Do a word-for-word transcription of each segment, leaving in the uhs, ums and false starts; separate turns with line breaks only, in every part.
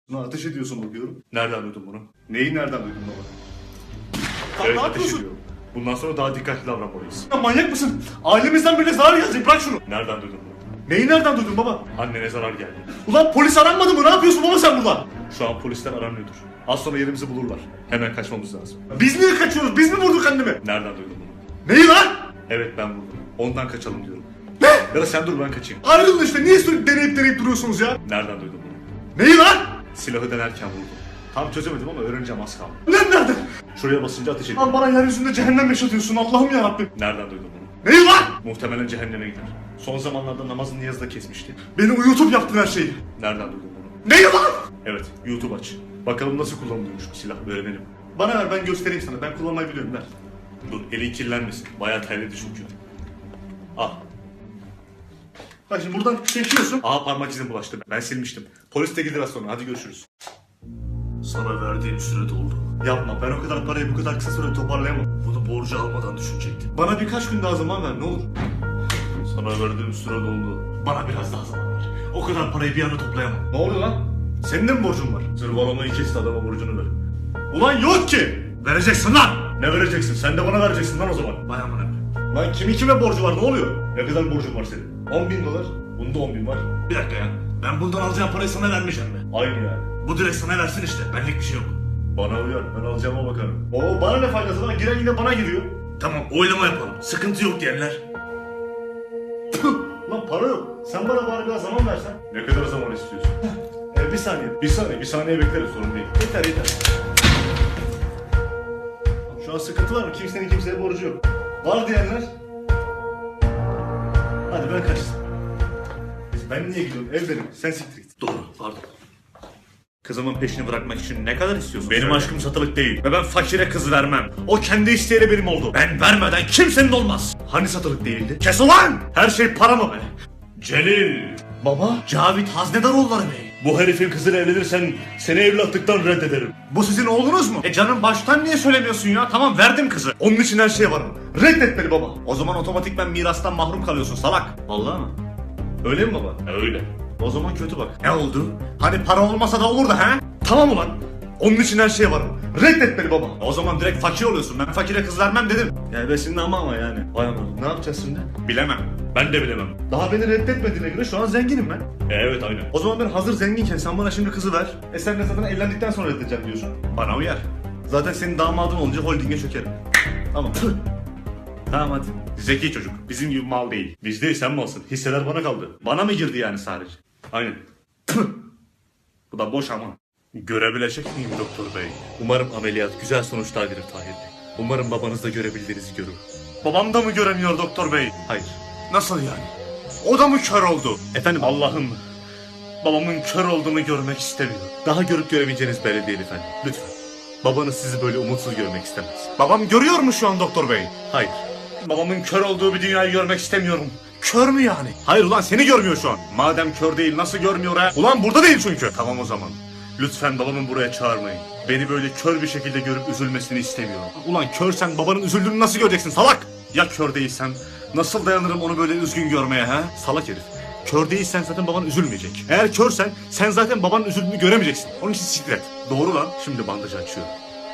Buna ateş ediyorsun bakıyorum.
Nereden duydun bunu?
Neyi nereden duydun baba?
Evet,
ne
ateş
yapıyorsun?
ediyorum. Bundan sonra daha dikkatli davranmalıyız.
Ya manyak mısın? Ailemizden birine zarar gelecek, bırak şunu.
Nereden duydun bunu?
Neyi nereden duydun baba?
Annene zarar geldi.
Ulan polis aranmadı mı? Ne yapıyorsun baba sen burada?
Şu an polisler aranıyordur. Az sonra yerimizi bulurlar. Hemen kaçmamız lazım.
Biz niye kaçıyoruz? Biz mi vurduk annemi?
Nereden duydun bunu?
Neyi lan?
Evet, ben vurdum. Ondan kaçalım diyorum.
Ne?
Ya da sen dur, ben kaçayım.
Ayrılın işte, niye sürekli deneyip deneyip duruyorsunuz ya?
Nereden duydun bunu?
Neyi lan?
Silahı denerken vurdum. Tam çözemedim ama öğreneceğim, az kaldı.
Ne nerede?
Şuraya basınca ateş ediyor.
Lan bana yeryüzünde cehennem yaşatıyorsun Allah'ım yarabbim.
Nereden duydun bunu?
Neyi lan?
Muhtemelen cehenneme gider. Son zamanlarda namazın niyazı da kesmişti.
Beni uyutup yaptın her şeyi.
Nereden duydun bunu?
Neyi lan?
Evet, YouTube aç. Bakalım nasıl kullanılıyormuş bu silah, öğrenelim.
Bana ver, ben göstereyim sana. Ben kullanmayı biliyorum, ver.
Dur, elin kirlenmesin. Bayağı terledi çünkü. Al.
Bak şimdi buradan çekiyorsun.
Aha, parmak izin bulaştı. Ben silmiştim. Polis de gelir az sonra. Hadi görüşürüz.
Sana verdiğim süre doldu.
Yapma, ben o kadar parayı bu kadar kısa sürede toparlayamam.
Bunu borcu almadan düşünecektim.
Bana birkaç gün daha zaman ver, ne olur.
Sana verdiğim süre doldu.
Bana biraz daha zaman ver. O kadar parayı bir anda toplayamam. Ne oluyor lan? Senin de mi borcun var?
Zırvalamayı kesti, adama borcunu ver.
Ulan yok ki!
Vereceksin lan! Ne vereceksin? Sen de bana vereceksin lan o zaman.
Vay amına.
Lan kimi kime borcu var, ne oluyor?
Ne kadar borcun var senin?
on bin dolar.
Bunda on bin var.
Bir dakika ya. Ben bundan alacağım parayı sana vermeyeceğim mi?
Aynı yani.
Bu direkt sana versin işte. Benlik bir şey yok.
Bana uyar. Ben alacağıma bakarım.
Oo, bana ne faydası lan? Giren yine bana giriyor.
Tamam, oylama yapalım. Sıkıntı yok diyenler.
Lan para yok. Sen bana bari biraz zaman versen.
Ne kadar zaman istiyorsun?
Ee, bir saniye.
Bir saniye, bir saniye bekleriz, sorun değil.
Yeter yeter. Şu an sıkıntı var mı? Kimsenin kimseye borcu yok. Var diyenler. Hadi ben kaçtım. Ben niye gidiyorum? Ev benim. Sen siktir git.
Doğru, pardon.
Kızımın peşini bırakmak için ne kadar istiyorsun?
Benim
Söyle.
aşkım satılık değil.
Ve ben fakire kız vermem. O kendi isteğiyle benim oldu.
Ben vermeden kimsenin olmaz.
Hani satılık değildi?
Kes ulan!
Her şey para mı be? Celil!
Baba.
Cavit Haznedaroğulları Bey.
Bu herifin kızıyla evlenirsen seni evlatlıktan reddederim.
Bu sizin oğlunuz mu?
E canım baştan niye söylemiyorsun ya? Tamam, verdim kızı.
Onun için her şeye varım. Reddet beni baba.
O zaman otomatikman mirastan mahrum kalıyorsun salak.
Vallahi mı? Öyle mi baba?
Öyle.
O zaman kötü bak.
Ne oldu? Hani para olmasa da olurdu ha?
Tamam ulan. Onun için her şeye varım. Reddet beni baba.
O zaman direkt fakir oluyorsun. Ben fakire kız vermem dedim.
Yani besinde ama ama yani.
Vay aman.
Ne yapacağız şimdi?
Bilemem.
Ben de bilemem.
Daha beni reddetmediğine göre şu an zenginim ben.
E, evet aynen.
O zaman ben hazır zenginken sen bana şimdi kızı ver. E sen de zaten evlendikten sonra reddedeceğim diyorsun.
Bana uyar.
Zaten senin damadın olunca holdinge çökerim. Tamam. Tamam hadi.
Zeki çocuk. Bizim gibi mal değil. Biz değil, sen malsın. Hisseler bana kaldı.
Bana mı girdi yani sadece?
Aynen.
Bu da boş ama.
Görebilecek miyim doktor bey? Umarım ameliyat güzel sonuçlar verir Tahir Bey. Umarım babanız da görebildiğinizi görür.
Babam da mı göremiyor doktor bey?
Hayır.
Nasıl yani? O da mı kör oldu?
Efendim Allah'ım. Babamın kör olduğunu görmek istemiyor. Daha görüp göremeyeceğiniz belli değil efendim. Lütfen. Babanız sizi böyle umutsuz görmek istemez.
Babam görüyor mu şu an doktor bey?
Hayır. Babamın kör olduğu bir dünyayı görmek istemiyorum.
Kör mü yani?
Hayır ulan, seni görmüyor şu an. Madem kör değil, nasıl görmüyor ha?
Ulan burada değil çünkü.
Tamam o zaman. Lütfen babamı buraya çağırmayın. Beni böyle kör bir şekilde görüp üzülmesini istemiyorum.
Ulan körsen babanın üzüldüğünü nasıl göreceksin salak?
Ya kör değilsem nasıl dayanırım onu böyle üzgün görmeye ha? Salak herif.
Kör değilsen zaten baban üzülmeyecek. Eğer körsen sen zaten babanın üzüldüğünü göremeyeceksin. Onun için siktir et.
Doğru lan. Şimdi bandajı açıyorum.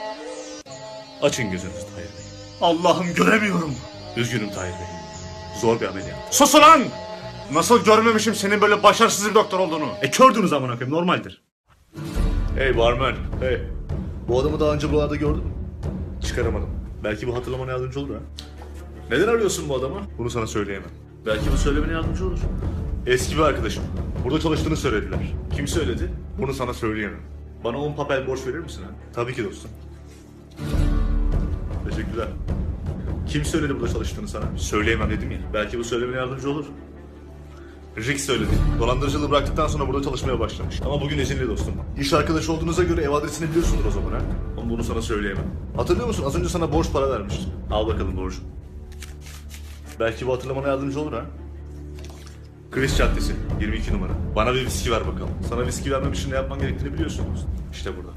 Açın gözünüzü Tahir Bey.
Allah'ım göremiyorum.
Üzgünüm Tahir Bey. Zor bir ameliyat.
Sus ulan! Nasıl görmemişim senin böyle başarısız bir doktor olduğunu?
E kördünüz amına koyayım, normaldir. Hey barman. Hey.
Bu adamı daha önce buralarda gördün mü?
Çıkaramadım. Belki bu hatırlamana yardımcı olur ha.
Neden arıyorsun bu adamı?
Bunu sana söyleyemem.
Belki bu söylemene yardımcı olur.
Eski bir arkadaşım. Burada çalıştığını söylediler.
Kim söyledi?
Bunu sana söyleyemem.
Bana on papel borç verir misin ha?
Tabii ki dostum. Teşekkürler.
Kim söyledi burada çalıştığını sana?
Söyleyemem dedim ya.
Belki bu söylemene yardımcı olur.
Rick söyledi.
Dolandırıcılığı bıraktıktan sonra burada çalışmaya başlamış. Ama bugün izinli dostum. İş arkadaşı olduğunuza göre ev adresini biliyorsundur o zaman ha?
Ama bunu sana söyleyemem.
Hatırlıyor musun? Az önce sana borç para vermiştim.
Al bakalım borcu.
Belki bu hatırlamana yardımcı olur ha?
Chris Caddesi, yirmi iki numara. Bana bir viski ver bakalım.
Sana viski vermem için ne yapman gerektiğini biliyorsun dostum.
İşte burada.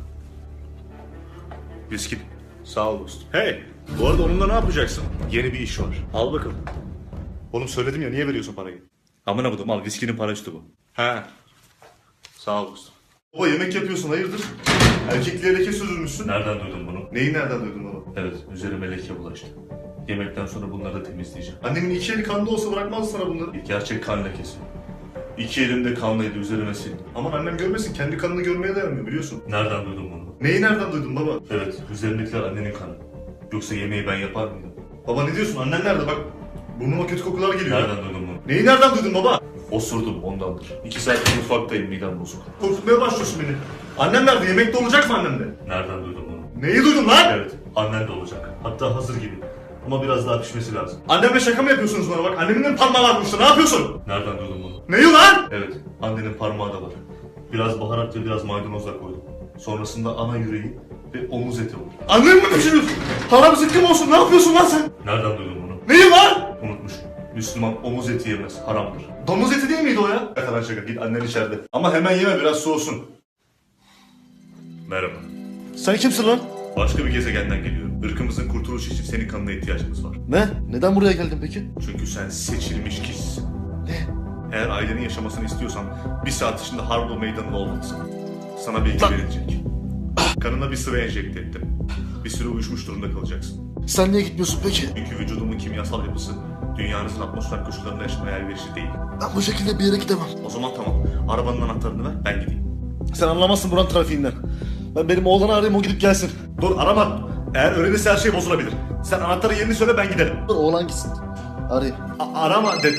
Viski.
Sağ ol dostum.
Hey,
Bu arada onunla ne yapacaksın?
yeni bir iş var.
Al bakalım.
Oğlum söyledim ya, niye veriyorsun parayı? Amına kodum, al, viskinin para üstü bu.
He. Sağ ol dostum. Baba yemek yapıyorsun hayırdır? Erkekliğe leke sürülmüşsün.
Nereden duydun bunu?
Neyi nereden duydun baba?
Evet, üzerime leke bulaştı. Yemekten sonra bunları da temizleyeceğim.
Annemin iki eli kanda olsa bırakmazdı sana bunları.
Bir gerçek kan lekesi. İki elimde kanlıydı, üzerime sildim.
Aman annem görmesin, kendi kanını görmeye dayanmıyor biliyorsun.
Nereden duydun bunu?
Neyi nereden duydun baba?
Evet, üzerindekiler annenin kanı. Yoksa yemeği ben yapar mıydım?
Baba ne diyorsun, annen nerede bak. Burnuma kötü kokular geliyor.
Nereden duydun bunu?
Neyi nereden duydun baba?
Osurdum ondandır. İki saat mutfaktayım, midem bozuk.
Korkutmaya başlıyorsun beni. Annem nerede, yemekte olacak mı annem de?
Nereden duydun bunu?
Neyi duydun lan?
Evet, annen de olacak. Hatta hazır gibi. Ama biraz daha pişmesi lazım.
Annemle şaka mı yapıyorsunuz bana bak, annemin de parmağı var burada, ne yapıyorsun?
Nereden duydun bunu?
Neyi lan?
Evet, annenin parmağı da var. Biraz baharat ve biraz maydanozla koydum. Sonrasında ana yüreği ve omuz eti var.
Annem mi pişiriyorsun? Haram zıkkım olsun, ne yapıyorsun lan sen?
Nereden duydun bunu?
Neyi lan?
Unutmuşum. Müslüman omuz eti yemez, haramdır.
Domuz eti değil miydi o ya? Şaka lan şaka, git annen içeride. Ama hemen yeme, biraz soğusun.
Merhaba.
Sen kimsin lan?
Başka bir gezegenden geliyorum. Irkımızın kurtuluşu için senin kanına ihtiyacımız var.
Ne? Neden buraya geldin peki?
Çünkü sen seçilmiş kişisin. Ne? Eğer ailenin yaşamasını istiyorsan bir saat içinde Harbo meydanında olmalısın. Sana bilgi verilecek. Kanına bir sıra enjekte ettim. Bir süre uyuşmuş durumda kalacaksın.
Sen niye gitmiyorsun peki?
Çünkü vücudumun kimyasal yapısı dünyanızın atmosfer koşullarında yaşamaya elverişli değil.
Ben bu şekilde bir yere gidemem.
O zaman tamam. Arabanın anahtarını ver, ben gideyim.
Sen anlamazsın buranın trafiğinden. Ben benim oğlanı arayayım, o gidip gelsin. Dur arama. Eğer öğrenirse her şey bozulabilir. Sen anahtarı yerini söyle, ben giderim. Dur oğlan gitsin. Arayayım. A- arama de...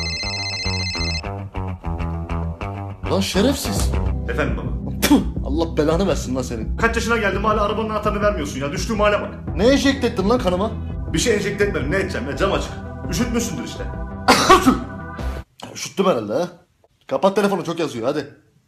Lan şerefsiz.
Efendim baba.
Puh, Allah belanı versin lan senin. Kaç yaşına geldim hala arabanın anahtarını vermiyorsun ya. Düştüğüm hale bak. Ne enjekte ettin lan kanıma? Bir şey enjekte etmedim. Ne edeceğim ya? Cam açık. Üşütmüşsündür işte. Üşüttüm herhalde ha. Kapat telefonu, çok yazıyor hadi.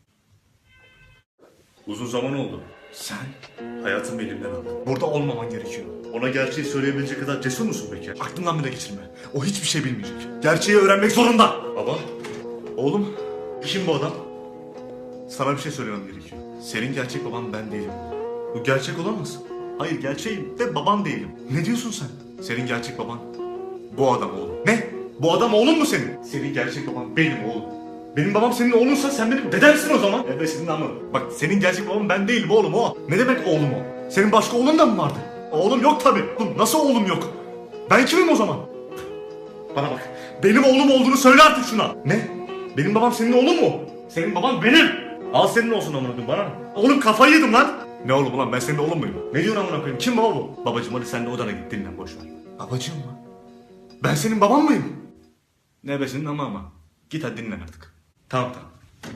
Uzun zaman oldu.
Sen
Hayatımı elimden aldın.
burada olmaman gerekiyor.
Ona gerçeği söyleyebilecek kadar cesur musun peki?
Aklından bile geçirme. O hiçbir şey bilmeyecek. Gerçeği öğrenmek zorunda.
Baba,
Oğlum, kim bu adam?
sana bir şey söylemem gerekiyor. Senin gerçek baban ben değilim. Bu gerçek olamaz. Hayır, gerçeğim de baban değilim.
Ne diyorsun sen?
Senin gerçek baban bu adam oğlum.
Ne? Bu adam oğlun mu senin?
Senin gerçek baban benim oğlum.
Benim babam senin oğlunsa sen benim dedemsin o zaman.
Evet senin ama.
Bak senin gerçek baban ben değilim oğlum o. Ne demek oğlum o? Senin başka oğlun da mı vardı? Oğlum yok tabii. Oğlum nasıl oğlum yok? Ben kimim o zaman? Bana bak. Benim oğlum olduğunu söyle artık şuna. Ne? Benim babam senin oğlun mu? Senin baban benim. Al senin olsun amına koyayım bana. Oğlum kafayı yedim lan. Ne oğlum lan, ben senin oğlun muyum? Ne diyorsun amına koyayım? Kim baba bu?
Babacım hadi sen de odana git dinlen boş ver.
Babacığım mı? Ben senin baban mıyım?
Ne be senin ama ama. Git hadi dinlen artık.
Tamam tamam.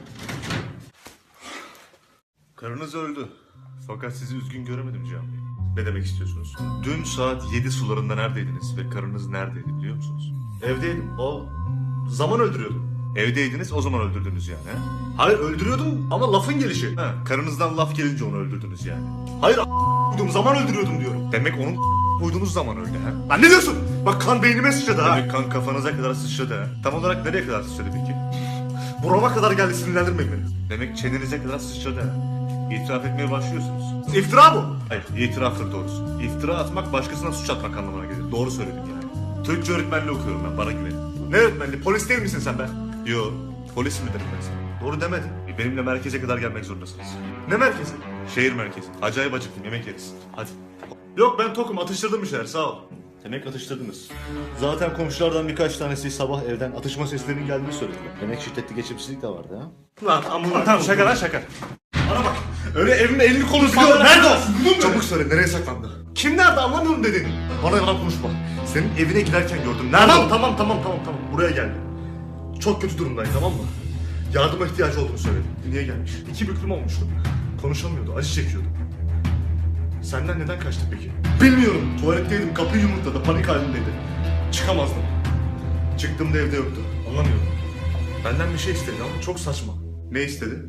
Karınız öldü. Fakat sizi üzgün göremedim Cihan Bey. Ne demek istiyorsunuz? Dün saat yedi sularında neredeydiniz ve karınız neredeydi biliyor musunuz?
Evdeydim. O zaman öldürüyordum.
Evdeydiniz o zaman öldürdünüz yani. He?
Hayır öldürüyordum ama lafın gelişi.
Ha, karınızdan laf gelince onu öldürdünüz yani.
Hayır a***ydum, zaman öldürüyordum diyorum.
Demek onun koyduğunuz zaman öldü ha?
Lan ne diyorsun? Bak kan beynime sıçradı ha.
Demek kan kafanıza kadar sıçradı ha? Tam olarak nereye kadar sıçradı peki?
Burama kadar geldi, sinirlendirmeyin beni.
Demek çenenize kadar sıçradı ha? İtiraf etmeye başlıyorsunuz.
İftira bu.
Hayır, itiraftır doğrusu. İftira atmak başkasına suç atmak anlamına gelir. Doğru söyledin yani. Türkçe öğretmenliği okuyorum ben, bana güvenin.
Ne öğretmenliği? Polis değil misin sen be?
Yo, polis mi dedim ben sana?
Doğru demedin.
E, Benimle merkeze kadar gelmek zorundasınız.
Ne merkezi?
Şehir merkezi. Acayip acıktım, yemek yeriz. Hadi.
Yok ben tokum, atıştırdım bir şeyler, sağ ol.
Demek atıştırdınız.
Zaten komşulardan birkaç tanesi sabah evden atışma seslerinin geldiğini söylediler. Demek şiddetli geçimsizlik de vardı ha. Lan amına. Tamam şaka lan şaka. Bana bak. Öyle evimde elini kolunu sıkıyor. Nerede o? Çabuk söyle, nereye saklandı? Kim nerede, anlamıyorum dedin. Bana yalan konuşma. Senin evine giderken gördüm. Nerede? Tamam tamam tamam tamam tamam. Buraya geldi. Çok kötü durumdayım, tamam mı? Yardıma ihtiyacı olduğunu söyledi. Niye gelmiş? İki büklüm olmuştu. Konuşamıyordu, acı çekiyordu. Senden neden kaçtı peki? Bilmiyorum. Tuvaletteydim, kapıyı yumurtladı, panik halindeydi. Çıkamazdım. Çıktığımda evde yoktu. Anlamıyorum. Benden bir şey istedi ama çok saçma. Ne istedi?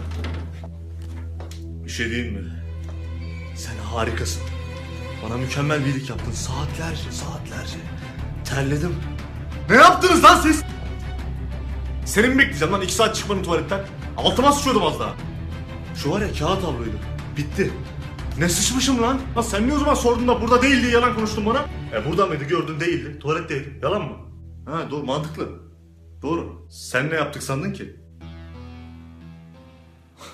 Bir şey değil mi?
Sen harikasın. Bana mükemmel bir iyilik yaptın. Saatlerce, saatlerce. Terledim. Ne yaptınız lan siz? Seni mi bekleyeceğim lan iki saat çıkmanın tuvaletten? Altıma sıçıyordum az daha. Şu var ya, kağıt havluydu. Bitti. Ne sıçmışım lan? Lan sen niye o zaman sordun da burada değil diye yalan konuştun bana? E burada mıydı, gördün değildi. Tuvaletteydi. Yalan mı? Ha doğru, mantıklı. Doğru. Sen ne yaptık sandın ki?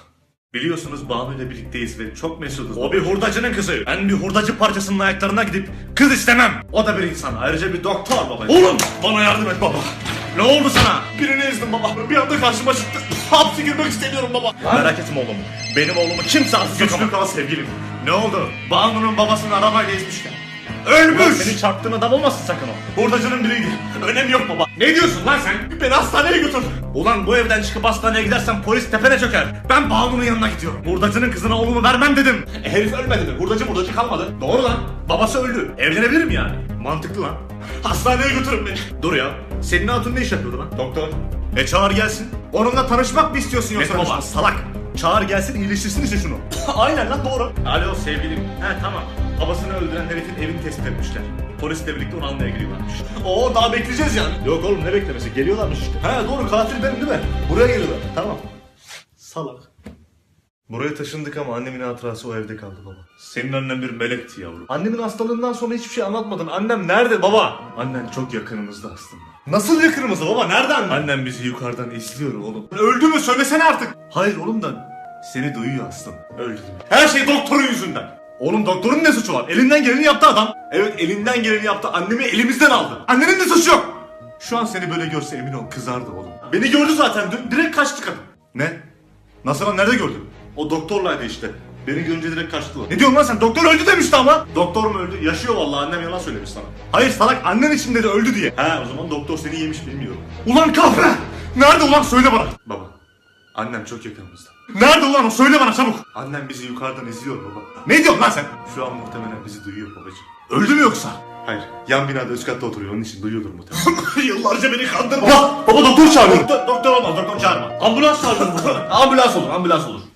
Biliyorsunuz Banu ile birlikteyiz ve çok mesuduz.
O bir hurdacının kızı. Ben bir hurdacı parçasının ayaklarına gidip kız istemem. O da bir insan. Ayrıca bir doktor baba.
Oğlum bana yardım et baba.
Ne oldu sana?
Birini ezdim baba. Bir anda karşıma çıktı. Hapse girmek istemiyorum baba.
Merak etme oğlum. Benim oğlumu kimse hapse
Güçlü
sokamaz.
kal sevgilim.
Ne oldu? Banu'nun babasını arabayla ezmişler.
Ulan
Ölmüş.
seni
Seni çarptığın adam olmasın sakın o.
Hurdacının biriydi. Önemi yok baba.
Ne diyorsun lan sen?
Beni hastaneye götür.
Ulan bu evden çıkıp hastaneye gidersen polis tepene çöker. Ben Banu'nun yanına gidiyorum. Hurdacının kızına oğlumu vermem dedim.
E, herif ölmedi mi? Hurdacı hurdacı kalmadı.
Doğru lan. Babası öldü. Evlenebilirim yani.
Mantıklı lan. Hastaneye götürün beni.
Dur ya. Senin hatun ne iş yapıyordu lan?
Doktor.
E çağır gelsin. Onunla tanışmak mı istiyorsun
Ne
yoksa baba?
tanışması?
Salak. Çağır gelsin iyileştirsin işte şunu.
Aynen lan doğru.
Alo sevgilim. He tamam. Babasını öldüren herifin evini tespit etmişler. Polisle birlikte onu almaya gidiyorlarmış.
Oo daha bekleyeceğiz yani.
Yok oğlum ne beklemesi? Geliyorlarmış işte.
He doğru katil benim değil mi? Buraya geliyorlar. Tamam.
Salak.
Buraya taşındık ama annemin hatırası o evde kaldı baba.
Senin annen bir melekti yavrum.
Annemin hastalığından sonra hiçbir şey anlatmadın. Annem nerede baba? Annen çok yakınımızda aslında. Nasıl yakınımızda baba? Nereden?
Annem bizi yukarıdan izliyor oğlum.
Öldü mü? Söylesene artık.
Hayır oğlum da seni duyuyor aslında.
Öldü değil mi? Her şey doktorun yüzünden.
Oğlum doktorun ne suçu var? Elinden geleni yaptı adam.
Evet elinden geleni yaptı. Annemi elimizden aldı.
Annenin de suçu yok. Şu an seni böyle görse emin ol kızardı oğlum.
Beni gördü zaten. Dün direkt kaçtı kadın.
Ne? Nasıl lan nerede gördün?
O doktorlaydı işte. Beni görünce direkt kaçtı o.
Ne diyorsun lan sen? Doktor öldü demişti ama.
Doktor mu öldü? Yaşıyor vallahi. Annem yalan söylemiş sana.
Hayır salak annen için dedi öldü diye.
He o zaman doktor seni yemiş bilmiyorum.
Ulan kahve! Nerede ulan söyle bana.
Baba. Annem çok yakınımızda.
Nerede ulan o söyle bana çabuk.
Annem bizi yukarıdan izliyor baba.
Ne diyorsun lan sen?
Şu an muhtemelen bizi duyuyor babacığım.
Öldü mü yoksa?
Hayır. Yan binada üst katta oturuyor. Onun için duyuyordur muhtemelen.
Yıllarca beni kandırma.
Baba, baba doktor çağırıyor.
Doktor, doktor olmaz doktor çağırma.
Ambulans çağırıyor.
Ambulans olur ambulans olur.